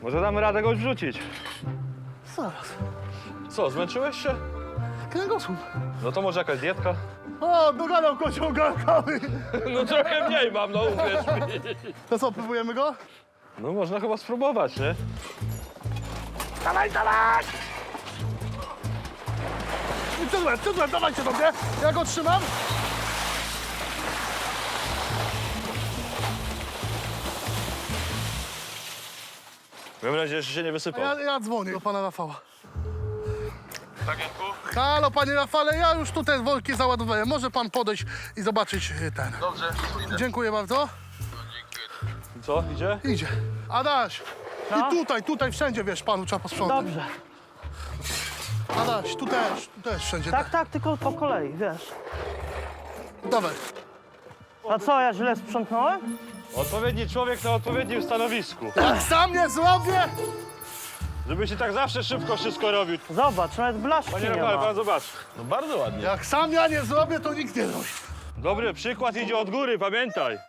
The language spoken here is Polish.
Może damy radę go wrzucić. Zaraz. Co, zmęczyłeś się? Kręgosłup. No to może jakaś dietka? O, dogadał kocioł garkawy. No trochę mniej mam, no uwierz mi. To co, próbujemy go? No można chyba spróbować, nie? Dawaj, dawaj! I cudłem, dawajcie do mnie. Ja go trzymam. Mam nadzieję, że się nie A wysypał. ja dzwonię do pana Rafała. Tak, Janku? Halo, panie Rafale, ja już tutaj worki załadowałem. Może pan podejść i zobaczyć ten. Dobrze, idę. Dziękuję bardzo. Co, idzie? Idzie. Adaś. I tutaj, wszędzie, wiesz, panu trzeba posprzątać. Dobrze. Adaś, tu też wszędzie. Tak, tylko po kolei, wiesz. Dawaj. A co, ja źle sprzątnąłem? Odpowiedni człowiek na odpowiednim stanowisku. Jak sam nie zrobię, Żebyś i tak zawsze szybko wszystko robił. Zobacz, nawet blaszki Panie nie Rafale, ma. pan zobacz. No bardzo ładnie. jak sam ja nie zrobię, to nikt nie robi. Dobry przykład idzie od góry, pamiętaj.